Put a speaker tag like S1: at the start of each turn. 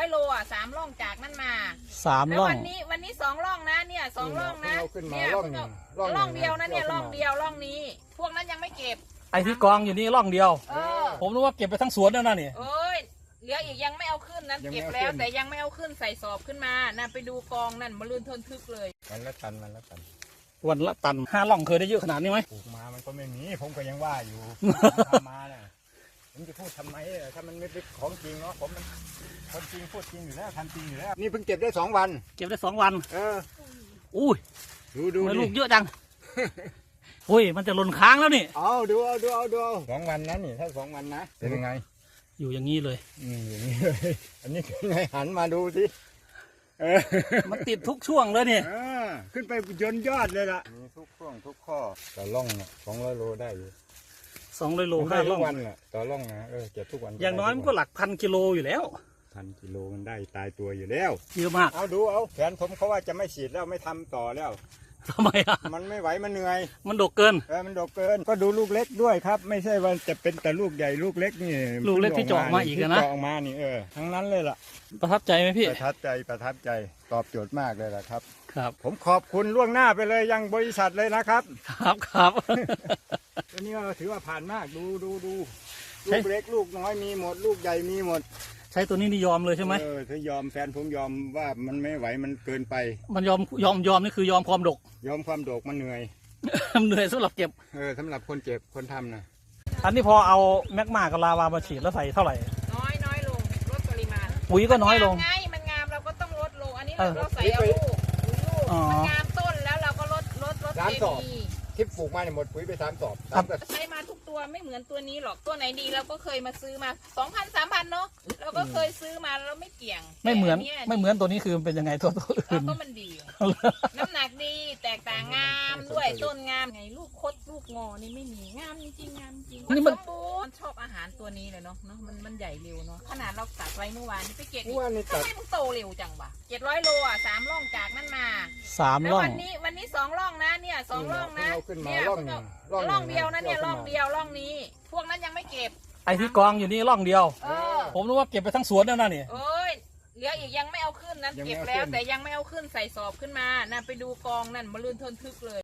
S1: 700 โลอ่ะ3 ร่องจากนั่นมา
S2: 3 ร่อง
S1: วันนี้2 ร่องนะเนี่ย2 ร่องนะ
S3: เนี่ย
S1: ร่องเดียวนะเนี่ยร่องเดียวร่องนี้ พวกนั้นยังไม่เก็บ
S2: ไอ้ที่กองอยู่นี่ร่องเดียว
S1: อ
S2: ผมนึกว่าเก็บไปทั้งสวนแล้วนะนี่
S1: เอ้ยเหลืออีกยังไม่เอาขึ้นนั้นเก็บแล้วแต่ยังไม่เอาขึ้นใส่สอบขึ้นมาน่ะไปดูกองนั่นมาลื่นทนทึกเลย
S3: วันละตัน
S2: วันละตัน5 ร่องเคยได้เยอะขนาดนี้ไหม
S3: ปลูกมามันก็ไม่มีผมก็ยังว่าอยู่ ทำมาเนี่ยผมจะพูดทำไมถ้ามันไม่เป็นของจริงเนาะผมมันคนจริงพูดจริงอยู่แล้วทำจริงอยู่แล้วนี่เพิ่งเก็บได้2 วัน
S2: เก็บได้2 วัน อุ้ย
S3: ดู
S2: ทำไมลูกเยอะจัง อุ้ยมันจะหล่นค้างแล้วนี่
S3: เอาดู2 วันนั้นนี่ถ้า2 วันนะเป็นยังไง
S2: อยู่อย่างนี้เลย
S3: อย่างนี้เลยอันนี้เป็นไงหันมาดูสิ
S2: มันติดทุกช่วงเลยนี่
S3: ขึ้นไปยนยอดเลยล่ะมีทุกช่วงทุกข้อต่อร่องเนี่ย200 โลได้อยู่
S2: 200 โล
S3: ได้
S2: 5
S3: ทุ
S2: ร่อก ง
S3: วันน่ะต่อร่องนะเก็บทุกวัน
S2: อย่างน้อยมันก็หลักพันกิโลอยู่แล้ว
S3: 1,000 กิโลมันได้ตายตัวอยู่แล้ว
S2: เยอะมาก
S3: เอาแขนผมเขาว่าจะไม่ฉีดแล้วไม่ทำต่อแล้ว
S2: ทำไมอ่ะ
S3: มันไม่ไหวมันเหนื่อย
S2: มันดกเกิน
S3: มันดกเกินก็ดูลูกเล็กด้วยครับ ไม่ใช่ว่าจะเป็นแต่ลูกใหญ่ลูกเล็กนี่
S2: ลูกเล็กที่เจาะมาอีกอะนะ
S3: ที่เจาะออกมานี่ทั้งนั้นเลยล่ะ
S2: ประทับใจไหมพี่
S3: ประทับใจตอบโจทย์มากเลยล่ะครับ
S2: ครับ
S3: ผมขอบคุณล่วงหน้าไปเลยยังบริษัทเลยนะครับ
S2: ครับ
S3: อันนี้ก็ถือว่าผ่านมากดูลู
S2: ใช่
S3: กเล็กลูกน้อยมีหมด ลูกใหญ่มีหมด
S2: ใช้ตัวนี้นี่ยอมเลยใช่ไหม
S3: ถ้ายอมแฟนผมยอมว่ามันไม่ไหวมันเกินไป
S2: มันยอมนี่คือยอมความดก
S3: ยอมความโดกมันเหนื่อย
S2: เหนื่อยสำหรับเก็บ
S3: สำหรับคนเจ็บคนทำนะ
S2: อันนี้พอเอาแมกมากับลาวามาฉีดแล้วใส่เท่าไหร่
S1: น้อยลงลดปริมาณ
S2: ปุ๋ยก็น้อยลง
S1: มันงามเราก็ต้องลดลงอันนี้
S2: เออ
S1: เราใส่เอาลูก
S2: อ๋อ
S1: มันงามต้นแล้วเราก็ลดเคมี
S3: ที่ปลูกมาเนี่ยหมดปุ๋ยไป3 สอบ
S1: ใช้มาทุกตัวไม่เหมือนตัวนี้หรอกตัวไหนดีเราก็เคยมาซื้อมา 2,000 3,000เนาะเราก็เคยซื้อมาแล้วไม่เกี่ยง
S2: ไม่เหมือน
S1: แต่
S2: ไม่เหมือนตัวนี้คือมันเป็นยังไงตัวอื่
S1: เรา
S2: น
S1: ก็มันดี น้ำหนักดีแตกต่างงามด้วยต้นงามไงลูกคดลูกงอนี่ไม่มีงามจริงงามจริง
S2: นี่มัน
S1: สบูรณ์ชอบอาหารตัวนี้เลยเนาะมันใหญ่เร็วเนาะขนาดเราตัดไว้เมื่อวานนี่ไปเก็บ
S3: เมื่อวานนี่
S1: ทำไมมึงโตเร็วจังวะ700 โลอ่ะ3 ร่องจากนั่นมา
S2: 3
S1: แล้ว
S2: ร่อง
S1: วันนี้2 ร่องนะเนี่ย2 ร่องนะ
S3: เอาขึ้นมา
S1: เนี่ย
S3: ร่องหนึ่ง
S1: ร่องเดียวนะเนี่ยร่องเดียวร่องนี้ พวกนั้นยังไม่เก็บ
S2: ไอ้ที่กองอยู่นี่ร่องเดียว
S1: เออ
S2: ผมนึกว่าเก็บไปทั้งสวนแล้วนะนี่
S1: เอ้ยเหลืออีกยังไม่เอาขึ้นนั้นเก็บแล้วแต่ยังไม่เอาขึ้นใส่สอบขึ้นมาน่ะไปดูกองนั่นมาลื่นทนทึกเลย